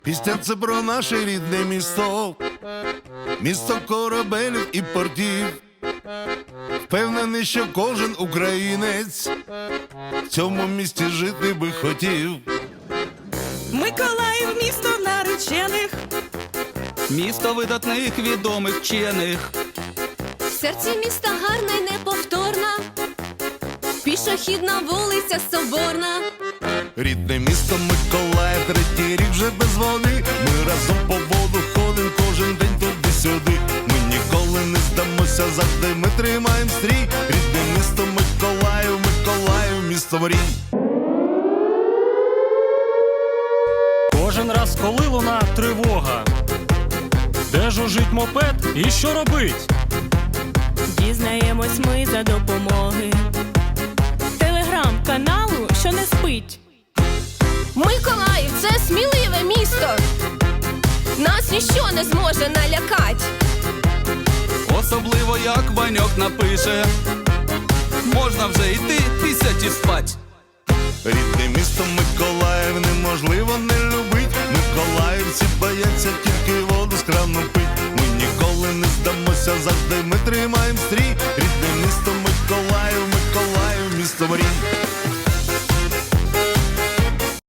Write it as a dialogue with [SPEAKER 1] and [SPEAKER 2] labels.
[SPEAKER 1] Пісня це про наше рідне місто, місто корабелів і портів. Впевнений, що кожен українець в цьому місті жити би хотів.
[SPEAKER 2] Миколаїв – місто наречених,
[SPEAKER 3] місто видатних відомих вчених.
[SPEAKER 4] В серці міста гарна й неповторна, пішохідна вулиця Соборна.
[SPEAKER 1] Рідне місто Миколаїв, третій рік вже без води. Ми разом по воду ходим кожен день туди-сюди. Ми ніколи не здамося, завжди ми тримаєм стрій. Рідне місто Миколаїв, Миколаїв, місто мрій.
[SPEAKER 5] Кожен раз, коли луна тривога, де жужить мопед і що робить?
[SPEAKER 2] дізнаємось ми за допомоги телеграм-каналу, що не спить.
[SPEAKER 4] Миколаїв – це сміливе місто, нас ніщо не зможе налякать.
[SPEAKER 3] Особливо як Ваньок напише, можна вже йти пісять і спать.
[SPEAKER 1] Рідне місто Миколаїв неможливо не любить. Миколаївці бояться тільки воду з крану пить. Ми ніколи не здамося, завжди ми тримаєм стрій. Рідне місто Миколаїв, Миколаїв, місто мрій.